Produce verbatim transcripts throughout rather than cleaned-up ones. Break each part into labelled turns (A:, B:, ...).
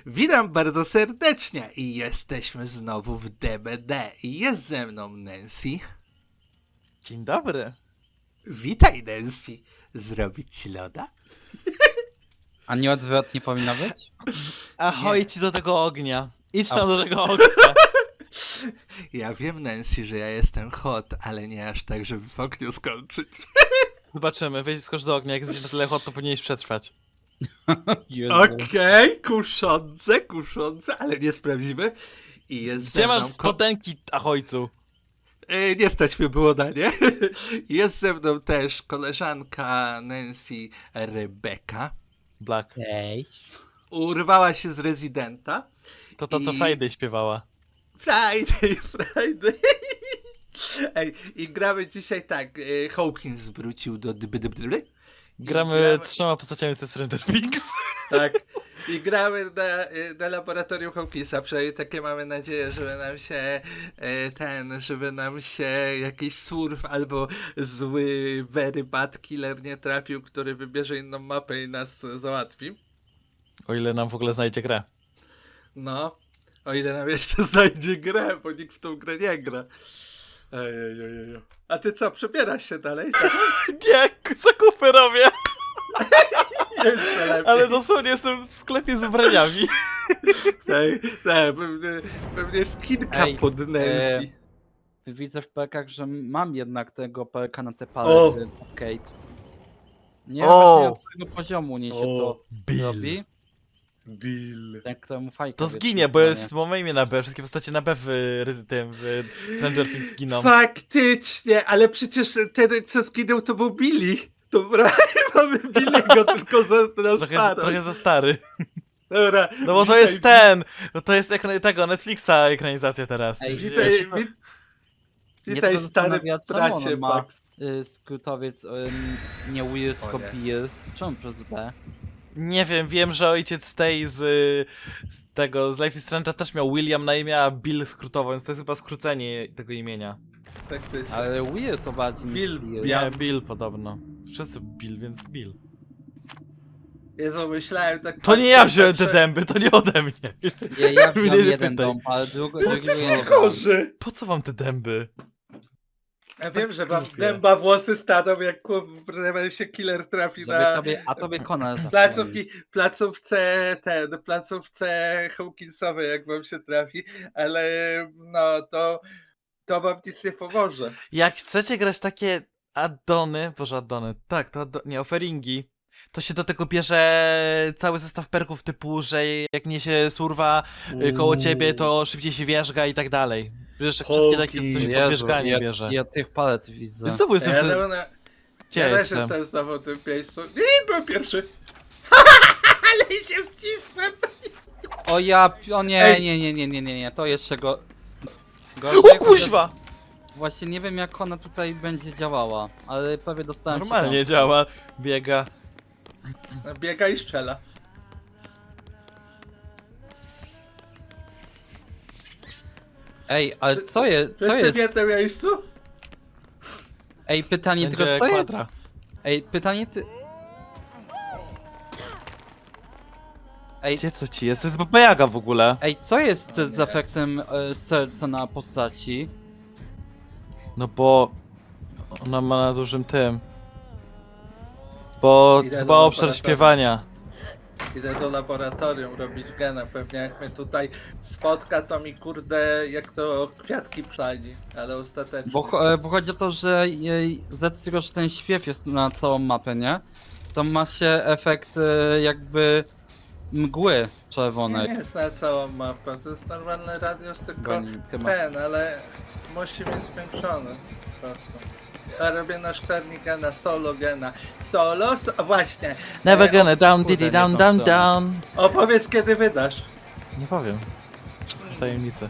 A: Witam bardzo serdecznie i jesteśmy znowu w D B D i jest ze mną Nancy.
B: Dzień dobry.
A: Witaj Nancy. Zrobić ci loda?
C: A nie odwrotnie powinno być?
B: Ahoj ci do tego ognia. Idź tam
C: A.
B: do tego ognia.
A: Ja wiem Nancy, że ja jestem hot, ale nie aż tak, żeby w ogniu skończyć.
B: Zobaczymy, wejdź skocz do ognia, jak jesteś na tyle hot, to powinieneś przetrwać.
C: Jezu.
A: Okej, okay, kuszące, kuszące, ale nie sprawdzimy. I jest
B: Gdzie
A: ze mną
B: masz
A: ko-
B: spodenki, ahojcu?
A: E, Nie stać mnie było na nie. Jest ze mną też koleżanka Nancy, Rebeka.
B: Black.
C: Cześć.
A: Urwała się z rezydenta.
B: To to, co
A: I-
B: Friday śpiewała.
A: Friday, Friday. Ej, i gramy dzisiaj tak. e, Hawkins wrócił do dyby dyby dyby. I
B: Gramy trzema postaciami ze Stranger Things.
A: Tak. I gramy na, e, na laboratorium Hawkinsa. Przynajmniej takie mamy nadzieję, żeby nam się e, ten, żeby nam się jakiś surf albo zły very bad killer nie trafił, który wybierze inną mapę i nas e, załatwi.
B: O ile nam w ogóle znajdzie grę.
A: No, o ile nam jeszcze znajdzie grę, bo nikt w tą grę nie gra. Ejejejej. A ty co, przebierasz się dalej? Tak?
B: Nie, zakupy robię,
A: Jeszcze lepiej.
B: ale dosłownie jestem w sklepie z ubraniami.
A: Ej, ej, pewnie, pewnie skinka
C: Ej,
A: pod Nancy.
C: Widzę w perkach, że mam jednak tego perka na te
A: O!
C: palety od Kate. Nie wiem
B: O!
C: właśnie od którego poziomu nie się to robi.
A: Bill.
C: Ten, któremu fajka
B: To
C: wiesz,
B: zginie, bo
C: nie.
B: jest mamy imię na B. Wszystkie postacie na B w, y, tym, w Stranger Things giną.
A: Faktycznie, ale przecież ten, co skinął, to był Billy. Dobra, mamy Billy'ego tylko za, na
B: Trochę,
A: staro.
B: trochę za stary.
A: Dobra,
B: No bo to
A: witaj,
B: jest ten! Bo to jest ekran tego, Netflixa ekranizacja teraz.
C: Ej,
A: Witaj, wit,
C: Mnie
A: witaj
C: tylko
A: stary
C: zastanawia, czemu
A: bracie,
C: on ma
A: Max.
C: y, skrótowiec y, nie Weird,
A: O
C: tylko
A: nie.
C: Bill. Czemu przez B?
B: Nie wiem, wiem, że ojciec tej z, z tego, z Life is Strange'a też miał William na imię, a Bill skrótowo, więc to jest chyba skrócenie tego imienia.
A: Faktycznie.
C: Ale Weird to bardziej
A: Bill,
C: niż Bill.
A: Bill. Ja-
B: Nie, Bill podobno. Wszyscy Bill, więc Bill.
A: Jezu, myślałem tak...
B: To nie ja
A: patrzę,
B: wziąłem te
A: patrzę.
B: dęby, to nie ode mnie. Więc
C: Ja, ja
B: mnie
C: wziąłem
B: nie
C: jeden
B: pytaj.
C: dom, ale drugi,
A: Po
C: drugiego
A: co
C: nie brałem.
A: chorzy?
B: Po co wam te dęby?
A: Ja wiem, że wam
B: Głupie.
A: dęba włosy staną, jak kurde, się killer trafi
C: Żeby
A: na
C: tobie, a tobie Konal zawsze
A: placówki, placówce, ten, placówce Hawkinsowej, jak wam się trafi, ale no to, to wam nic nie pomoże.
B: Jak chcecie grać takie addony, boże addony, tak, to addo- nie, offeringi, to się do tego bierze cały zestaw perków typu, że jak niesie surwa y, koło ciebie, to szybciej się wierzga i tak dalej. Wiesz, wszystkie takie
A: Hawkins.
B: coś
A: Jezu,
B: pod wierzganie
C: ja,
B: bierze.
C: ja tych palet widzę.
B: Znowu jestem
A: Ja,
B: w tym...
A: na,
B: Gdzie
A: ja też
B: jestem?
A: jestem znowu w tym miejscu. Nie, byłem pierwszy. Ale się wcisłem.
C: O ja, o nie,
A: Ej.
C: nie, nie, nie, nie, nie, nie, to jeszcze go...
B: O
C: gorzej,
B: kuźwa!
C: Właśnie nie wiem jak ona tutaj będzie działała, ale prawie dostałem
B: Normalnie
C: się
B: działa, biega.
A: Biega i strzela.
C: Ej, ale co jest, co
A: Wszyscy
C: jest?
A: w jednym miejscu?
C: Ej, pytanie
B: Będzie
C: tylko co jest?
B: kwadra.
C: Ej, pytanie ty... Ej,
B: Gdzie co ci jest? To jest Baba Jaga w ogóle.
C: ej, co jest z efektem e, serca na postaci?
B: No bo ona ma na dużym tym. Bo
A: Idę
B: chyba
A: do
B: obszar
A: laboratorium.
B: śpiewania.
A: Idę do laboratorium robić gena. Pewnie jak mnie tutaj spotka, to mi kurde jak to kwiatki psadzi, ale ostatecznie.
C: Bo, cho- e, bo chodzi o to, że jej, z racji tego, że ten śpiew jest na całą mapę, nie? To ma się efekt e, jakby mgły
A: nie,
C: czerwonej.
A: nie jest na całą mapę, to jest normalny radius, tylko
C: Goni, chyba.
A: ten, ale musi być zwiększony. po prostu. Ja robię na szklarni gena, solo gena. Solo? So, właśnie.
B: Never
A: E,
B: gonna down,
C: kurde,
B: diddy
C: nie
B: down,
C: tą
B: down,
C: stronę.
B: down.
A: Opowiedz kiedy wydasz.
B: Nie powiem. Wszystkie tajemnice.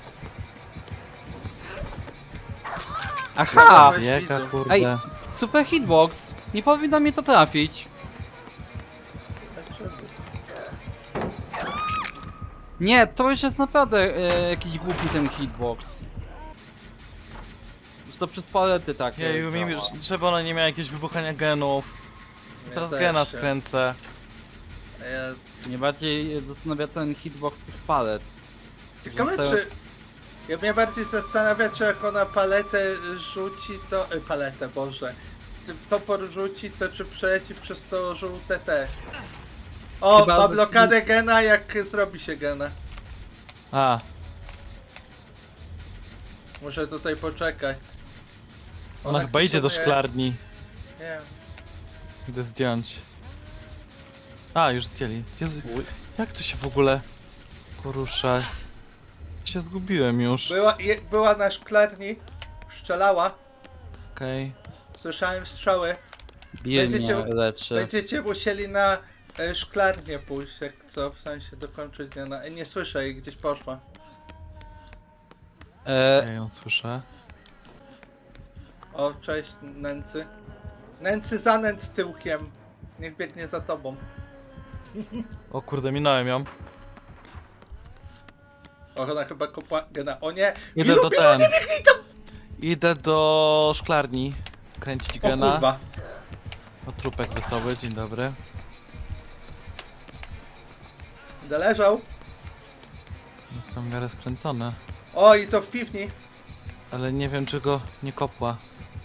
C: Aha!
A: Weź
B: Jaka
A: widzów.
B: kurde.
C: Ej, super hitbox! Nie powinno mnie to trafić. Nie, to już jest naprawdę e, jakiś głupi ten hitbox. Już to przez palety tak.
B: Jeju, mi już, żeby ona nie miała jakiegoś wybuchania genów.
A: Ja
B: Teraz
A: też
B: gena
A: się-
B: skręcę.
A: A ja...
C: Mnie bardziej zastanawia ten hitbox tych palet.
A: Ciekawe
C: Że to-
A: czy... Ja mnie bardziej zastanawia, czy jak ona paletę rzuci, to... Y, paletę, Boże. Ty topor rzuci, to czy przeleci przez to żółte te... O,
C: Chyba-
A: ma blokadę gena, jak zrobi się gena.
B: A,
A: Muszę tutaj poczekać.
B: ona chyba idzie do
A: kształtuje-
B: szklarni.
A: Nie wiem.
B: Idę zdjąć. A, już zdjęli. Jezu, jak tu się w ogóle porusza? Się zgubiłem już.
A: Była, je, była na szklarni, strzelała,
B: Okej.
A: słyszałem strzały.
C: Bill
A: Będziecie-
C: mnie leczy.
A: Będziecie musieli na e, szklarnię pójść, jak co, w sensie dokończyć nie, na, nie słyszę jej, gdzieś poszła.
C: E,
B: Ja ją słyszę.
A: O, cześć Nęcy. Nęcy za Nęc tyłkiem. Niech biegnie za tobą.
B: O kurde, minąłem ją.
A: O, ona chyba kopła gena. O nie!
B: Idę
A: Milu,
B: do
A: Milu,
B: ten.
A: nie biegnij tam!
B: Idę do szklarni. Kręcić
A: O
B: gena.
A: kurwa.
B: O trupek wesoły, dzień dobry.
A: Będę leżał.
B: Jestem w miarę skręcony.
A: O, i to w piwni.
B: Ale nie wiem, czy go nie kopła.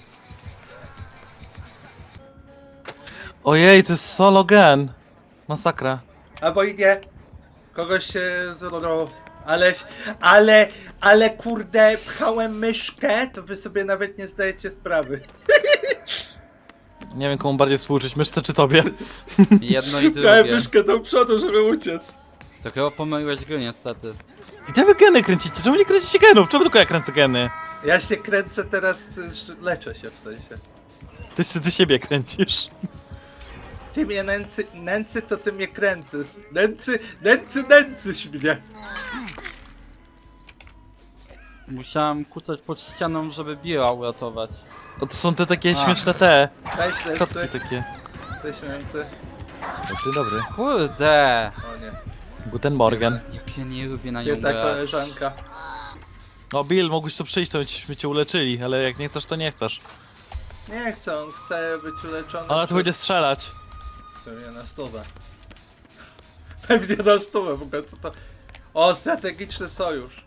B: Ojej, to jest solo gen. Masakra.
A: Albo i nie. Kogoś się zrobiło. Ale, ale, ale kurde, pchałem myszkę, to wy sobie nawet nie zdajecie sprawy.
B: Nie wiem, komu bardziej współczuć, myszce czy tobie.
C: jedno i
A: Pchałem
C: drugie.
A: myszkę do przodu, żeby uciec.
C: To chyba pomyliłeś gry niestety.
B: Gdzie wy geny kręcicie? Czemu nie kręcicie genów? Czemu tylko ja kręcę geny?
A: Ja się kręcę teraz, że leczę się w sensie.
B: Ty się ty siebie kręcisz.
A: Ty mnie nęcy, nęcy to ty mnie kręcisz. Nęcy, nęcy, nęcyś mnie.
C: Musiałem kucać pod ścianą, żeby Billa uratować.
B: O, to są te takie
C: A.
B: śmieszne te.
A: Cześć
B: Kotki
A: nęcy.
B: takie.
A: Cześć nęcy.
B: Dobry, dobry.
C: Kurde!
A: O nie.
B: Guten Morgen.
C: Jak ja nie lubię na nią
A: Biedna
C: grać.
A: koleżanka.
B: O, Bill, mogłeś tu przyjść, to byśmy cię uleczyli, ale jak nie chcesz, to nie chcesz.
A: Nie chcę, on chce być uleczony.
B: Ona tu
A: przez-
B: będzie strzelać.
A: Pewnie na stówę. Pewnie na stówę, w ogóle co to... O, strategiczny sojusz.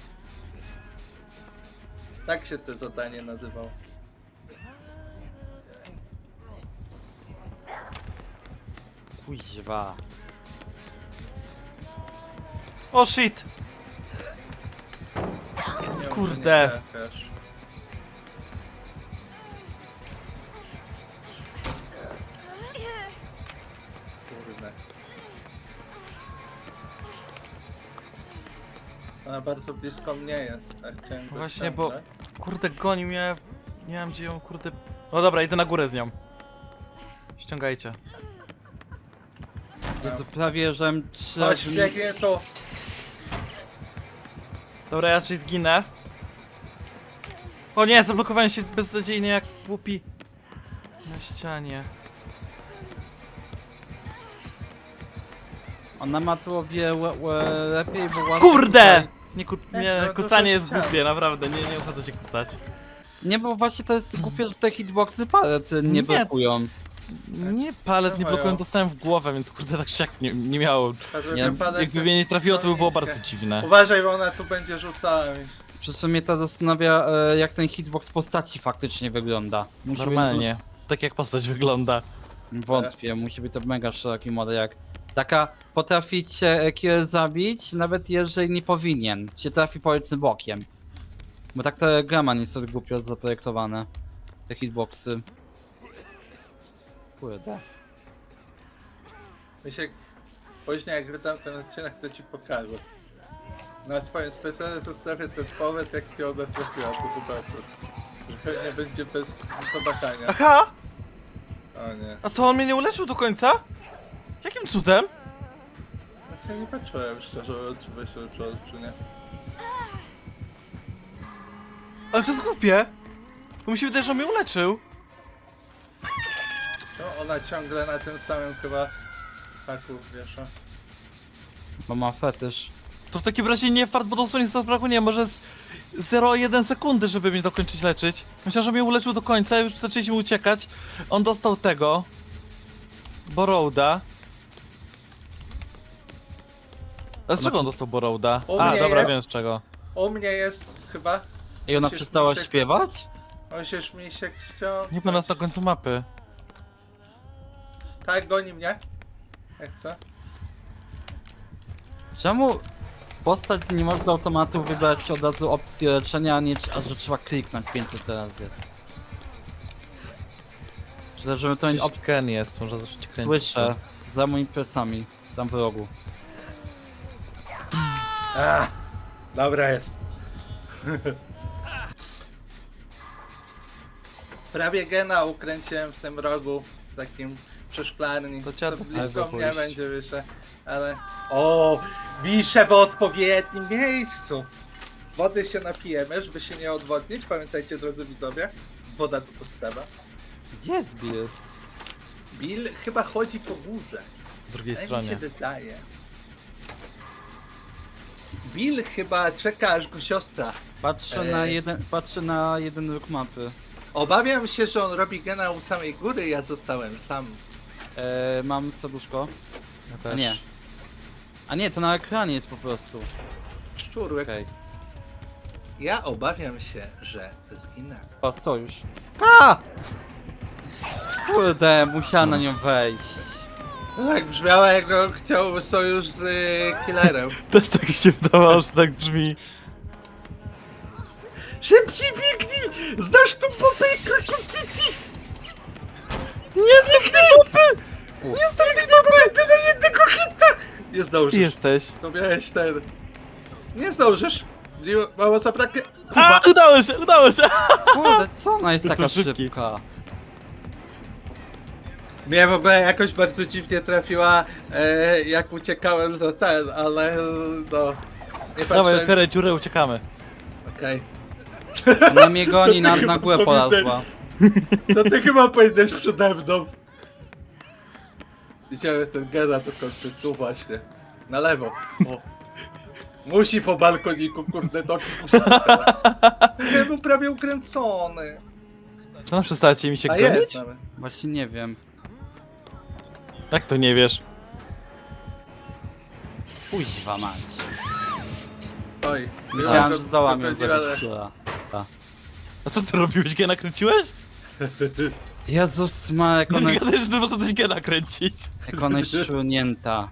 A: Tak się to zadanie nazywało.
C: Kuźwa.
B: O, shit!
A: Nie wiem,
B: Kurde.
A: czy nie trafiasz. Kurde. Ona bardzo blisko mnie jest, tak chciałem go
B: Właśnie, bo-
A: ściągnąć.
B: Kurde, goni mnie. Nie wiem, gdzie ją, kurde... No dobra, idę na górę z nią. Ściągajcie.
C: Jezu, prawie żem trzy
A: Chodź,
C: razy...
A: biegnie tu.
B: Dobra, ja raczej zginę. O nie, zablokowałem się beznadziejnie jak głupi. Na ścianie.
C: Ona ma tu o wiele le- lepiej, bo łatwiej
B: Kurde!
C: tutaj-
B: Nie, ku...
A: Jak
B: nie
A: no, to
B: kucanie
A: to
B: jest
A: chciałem.
B: głupie, naprawdę, nie, nie opłaca się kucać.
C: Nie, bo właśnie to jest głupie, że te hitboxy palet nie,
B: Nie.
C: blokują.
B: Nie, palet nie
A: Mają.
B: blokują, dostałem w głowę, więc kurde, tak siak nie, nie miało.
A: Żeby
C: Nie,
A: wypadek-
B: Jakby mnie nie trafiło, to by było
A: niskie.
B: bardzo dziwne.
A: Uważaj, bo ona tu będzie rzucała mi.
C: Przy czym mnie to zastanawia, e, jak ten hitbox postaci faktycznie wygląda. Musi
B: Normalnie. Tak jak postać wygląda.
C: Być, wątpię, musi być to mega szeroki model, jak taka potrafi cię kill zabić, nawet jeżeli nie powinien. Cię trafi powiedzmy bokiem. Bo tak te grama niestety głupio zaprojektowane. Te hitboxy. Kurde.
A: Mi się później jak wydam ten odcinek, to ci pokażę. Na twoim specjalnie zostawię ten połowet, jak ci ona trafiła, to zobaczysz. Że pewnie będzie bez zobaczenia.
B: Aha!
A: O nie.
B: A to on mnie nie uleczył do końca? Jakim cudem?
A: Ja nie patrzyłem szczerze mówiąc, czy by się uczyło, czy nie.
B: Ale to jest głupie. Bo mi się wydaje, że on mnie uleczył.
A: No, ona ciągle na tym samym chyba haku wiesza.
C: Bo ma fetysz.
B: To w takim razie nie fart, bo dosłownie zabrakło, nie może z zero przecinek jeden sekundy, żeby mnie dokończyć leczyć. Myślałem, że mnie uleczył do końca, już zaczęliśmy uciekać. On dostał tego. Borrowda. A z czego on dostał Borrowda?
A: U
B: A,
A: mnie
B: dobra,
A: jest.
B: wiem z czego.
A: U mnie jest chyba.
C: I ona
A: Musisz
C: przestała
A: mi się-
C: śpiewać?
A: Musisz mi się chciał.
B: Nie ma nas na końcu mapy.
A: Tak, goni mnie. Jak co?
C: Czemu postać nie może z automatu wybrać od razu opcji leczenia, a nie a że trzeba kliknąć pięćset razy? Czy też, żeby to mieć
B: Gdzieś
C: opcję?
B: Ken jest, może zacząć kręcić.
C: Słyszę, za moimi plecami, tam w rogu.
A: A, dobra jest. Prawie gena ukręciłem w tym rogu, w takim przy szklarni.
B: To trzeba
A: To
B: po prawo
A: blisko mnie
B: pójść.
A: będzie wyższe, ale... O, wiszę w odpowiednim miejscu. Wody się napijemy, żeby się nie odwodnić. Pamiętajcie, drodzy widzowie, woda to podstawa.
C: Gdzie jest Bill?
A: Bill chyba chodzi po górze.
B: W drugiej
A: Tak mi
B: stronie.
A: się wydaje. Bill chyba czeka, aż go siostra.
C: Patrzę na
A: Ej.
C: jeden, patrzę na jeden róg mapy.
A: Obawiam się, że on robi gena u samej góry, ja zostałem sam.
C: E, mam serduszko.
B: Ja
C: A
B: też.
C: nie. A nie, to na ekranie jest po prostu.
A: Szczurek.
C: Okej.
A: Ja obawiam się, że zginę.
C: O, sojusz. A! Kurde, musiała na nią wejść.
A: Tak brzmiała, jak on chciał sojusz z y, killerem.
B: Też tak mi się wydawało, że tak brzmi.
A: Szybciej biegnij! Znasz tą popę i krokocyci!
B: Nie znam tej mapy!
A: Nie znam tej popy! Ty na jednego hita! Nie
B: Ty
A: zdążysz.
B: jesteś.
A: To miałeś ten... Nie zdążysz. Nie- Mało zabraknie.
B: A, udało się, udało się!
C: Kurde, co ona jest
B: Jestem
C: taka
B: szybki.
C: szybka?
A: Mnie w ogóle jakoś bardzo dziwnie trafiła, e, jak uciekałem za ten, ale no... Nie
B: Dawaj,
A: patrzyłem...
B: otwieraj dziurę, uciekamy.
A: Okej.
C: Ona mnie goni, na,
A: chyba
C: na górę
A: powinien-
C: polazła.
A: To ty chyba powinieneś przede mną. Widziałem ten gena do końca, tu właśnie. Na lewo. O. Musi po balkoniku, kurde, nogi musi. Nie był prawie ukręcony.
B: Co nam przestacie mi się
A: A
B: gonić?
A: jest nawet.
C: Właśnie nie wiem.
B: Jak to nie wiesz?
C: Kuźwa mać.
A: Oj.
C: Myślałem,
A: to-
C: że zdołam
A: to
C: ją
A: prawdziwa-
C: zabić wczoraj.
B: A co ty robiłeś? Gena kręciłeś?
C: Jezus ma, jak ona
B: Nie
C: jest,
B: gadaj, że ty można coś gena kręcić.
C: jak ona jest szurnięta.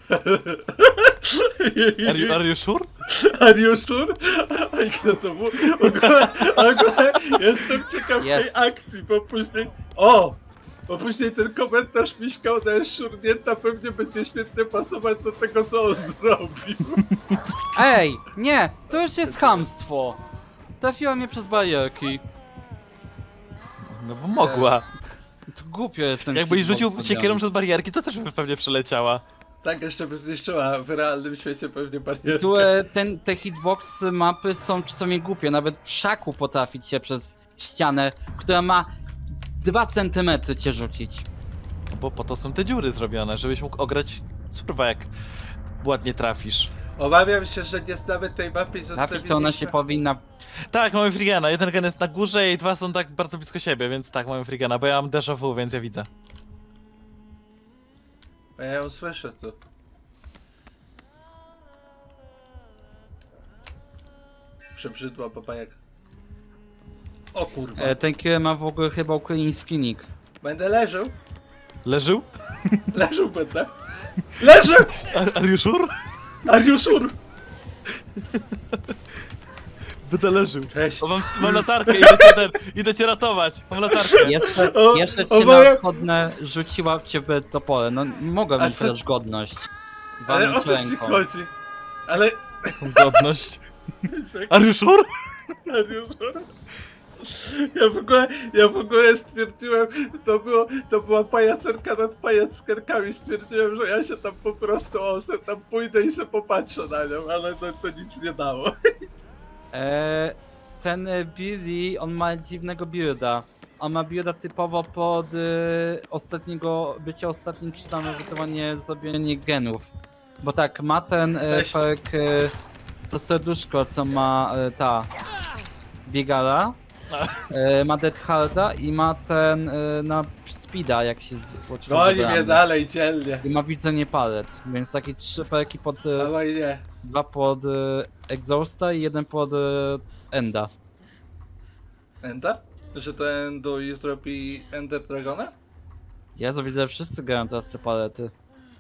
B: Are you, are you sure?
A: Are you sure? A kto to był? W ogóle, w ogóle jestem ciekaw
C: Jest.
A: tej akcji, bo później... O! Bo później ten komentarz Miśka, ona jest szurnięta, pewnie będzie świetnie pasować do tego, co on zrobił.
C: Ej, nie, to już jest chamstwo. Trafiła mnie przez barierki.
B: No bo mogła.
C: To głupio jest ten
B: Jakbyś
C: hitbox
B: rzucił
C: zrobiony.
B: siekierą przez barierki, to też by pewnie przeleciała.
A: Tak jeszcze by zniszczyła w realnym świecie pewnie barierkę.
C: Tu e, ten, te hitboxy mapy są czasami głupie, nawet w szaku potrafić się przez ścianę, która ma dwa centymetry cię rzucić.
B: No bo po to są te dziury zrobione, żebyś mógł ograć surwa jak ładnie trafisz.
A: Obawiam się, że nie znamy tej mapy i
C: Trafić to ona się
A: zostawiliśmy-
C: powinna...
B: Tak, mamy Frigana. Jeden gen jest na górze i dwa są tak bardzo blisko siebie, więc tak, mamy Frigana, bo ja mam déjà vu, więc ja widzę.
A: A ja ją słyszę tu. Przebrzydła baba jak... O kurwa.
C: E, ten killer ma w ogóle chyba ukraiński nick.
A: Będę leżał.
B: Leżył?
A: Leżał będę. Leżę!
B: Are, are you sure?
A: Are you sure?
B: Będę leżył.
A: Cześć.
B: O, mam, mam latarkę, idę cię, ten, idę cię ratować. Mam latarkę.
C: Jeszcze,
A: O,
C: jeszcze
A: o
C: cię
A: moja-
C: na wchodne rzuciła w ciebie topole. No mogłem
A: A
C: mieć
A: co-
C: też godność.
A: Ale o
C: Walnąć
A: co ci
C: ręką.
A: chodzi? Ale...
B: Godność. Are you sure?
A: Are you sure? Ja w ogóle, ja w ogóle stwierdziłem, to było, to była pajacerka nad pajackerkami, stwierdziłem, że ja się tam po prostu, o, se tam pójdę i se popatrzę na nią, ale no, to nic nie dało.
C: E, ten e, Billy, on ma dziwnego builda. On ma builda typowo pod e, ostatniego, bycie ostatnim, czy tam ewentualnie zrobienie genów. Bo tak, ma ten e,
A: Weź.
C: perk, e, to serduszko, co ma e, ta biegala. E, ma Dead Harda i ma ten e, na Speeda, jak się z...
A: Goni mnie
C: zabramy.
A: dalej dzielnie.
C: I ma widzenie palet, więc takie trzy perki pod... E,
A: Ale nie.
C: dwa pod e, Exhausta i jeden pod e, Enda.
A: Ender? Że ten Dui zrobi Ender Dragona?
C: Ja widzę, że wszyscy grają teraz te palety.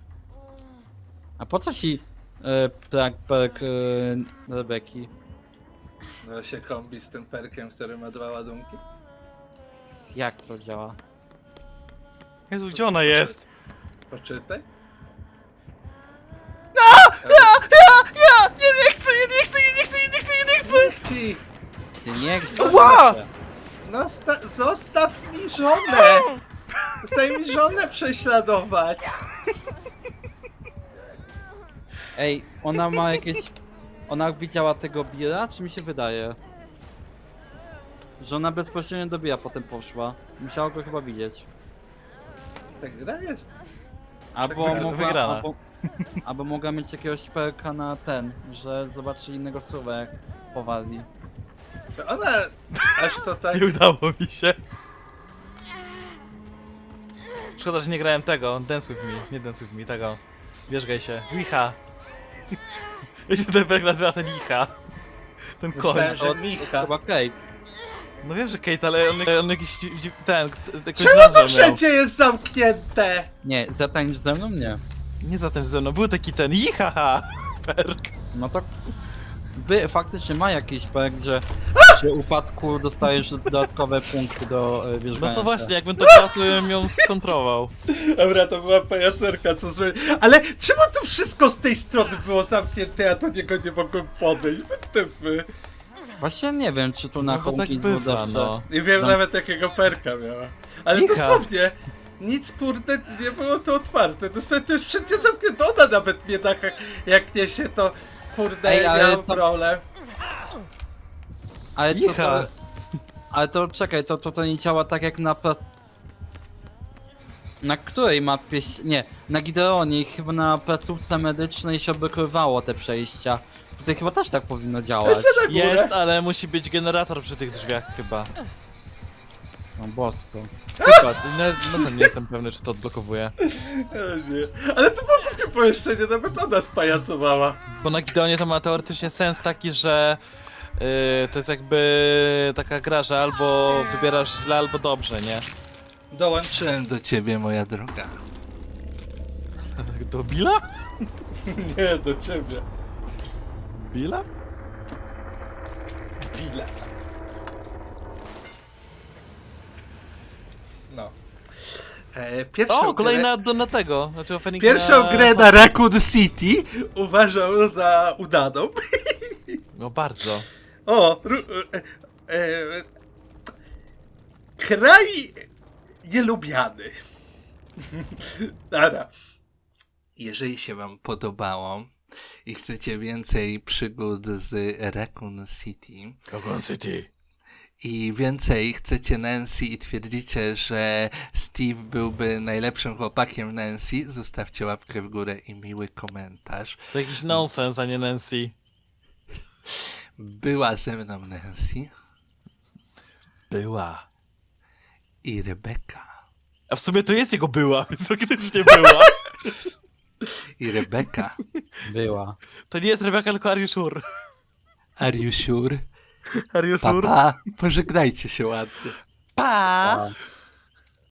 C: A po co ci e, perk, perk e, Rebeki?
A: No się kombi z tym perkiem, który ma dwa ładunki.
C: Jak to działa?
B: Jezu, gdzie ona jest?
A: Poczytaj.
B: Ja, ja, nie, nie chcę, nie, nie chcę, nie, nie chcę, nie, nie chcę, nie, nie chcę!
A: Ci!
C: Ty nie...
B: Ła!
A: No sta- zostaw mi żonę! Zostaw mi żonę prześladować!
C: Ej, ona ma jakieś... Ona widziała tego Billa, czy mi się wydaje? Że ona bezpośrednio do Billa potem poszła. Musiała go chyba widzieć.
A: Tak gra jest.
C: Albo
A: wygra-
C: mogła...
B: wygrana.
C: Albo, albo mogła mieć jakiegoś perka na ten, że zobaczy innego słowa jak powali.
A: To ona aż to tak...
B: Nie udało mi się. Szkoda, że nie grałem tego, Dance With Me, nie Dance With Me, tego. Wierzgaj się, Licha. Ja się ten perk nazywa ten Licha. Ten koń.
A: Myślałem, że
C: To,
A: Micha.
C: chyba Kate.
B: No wiem, że Kate, ale on, on jakiś, dzi- dzi- ten, t- jakąś
A: Czemu to
B: nazwę miał.
A: wszędzie jest zamknięte?
C: Nie, zatańcz ze mną? Nie.
B: Nie za tym ze mną, był taki ten Licha perk.
C: No to... By faktycznie ma jakiś perk, że przy upadku dostajesz dodatkowe punkty do e,
B: No
C: wierzgania
B: to
C: się.
B: właśnie, jakbym to grał, to bym ją skontrował.
A: Dobra, to była pajacerka, co zrobić. Ale czemu tu wszystko z tej strony było zamknięte, a do niego nie mogłem podejść? Wytyfy.
C: Właśnie nie wiem, czy tu na
B: No bo tak
C: Hawkins było
B: bywa,
C: dobrze.
B: no.
A: Nie wiem
C: Zam-
A: nawet jakiego perka miała. Ale
B: Micha.
A: dosłownie, nic kurde, nie było to otwarte. Dosłownie to jest wszędzie zamknięte. Ona nawet mnie tak jak, jak nie się to kurde
C: Ej, ale
A: miałem
C: to-
A: problem.
C: Ale to,
B: Micha.
C: to... Ale to czekaj, to, to, to nie działa tak jak na... Pla... Na której mapie... się- Nie, na Gideonie i chyba na placówce medycznej się obykrywało te przejścia. Tutaj chyba też tak powinno działać.
A: Lecę na górę.
B: Jest, ale musi być generator przy tych drzwiach chyba.
C: No bosko.
B: Chyba, no, no nie jestem pewny, czy to odblokowuje.
A: O nie. Ale to było głupie pomieszczenie, nawet ona spajacowała.
B: Bo na Gideonie to ma teoretycznie sens taki, że yy, to jest jakby taka gra, że albo wybierasz źle, albo dobrze, nie?
A: Dołączyłem do ciebie, moja droga.
B: Do Billa?
A: Nie, do ciebie.
B: Billa?
A: Billa. No. E, pierwszą
B: O, kolejna
A: grę,
B: do na tego. Znaczy offering
A: pierwszą
B: na...
A: grę na Raccoon City uważam za udaną.
B: No bardzo.
A: O, ru, e, e, kraj nielubiany. Dobra. Jeżeli się wam podobało i chcecie więcej przygód z Raccoon City
B: Raccoon City.
A: i więcej chcecie Nancy i twierdzicie, że Steve byłby najlepszym chłopakiem Nancy, zostawcie łapkę w górę i miły komentarz.
B: To jakiś nonsens, a nie Nancy.
A: Była ze mną Nancy
B: Była.
A: i Rebeka.
B: A w sumie to jest jego była, więc faktycznie była.
A: I Rebeka.
C: Była.
B: To nie jest Rebeka, tylko Are you sure?
A: Are you sure?
B: Are you sure?
A: Papa, pożegnajcie się ładnie.
B: Pa!
C: A.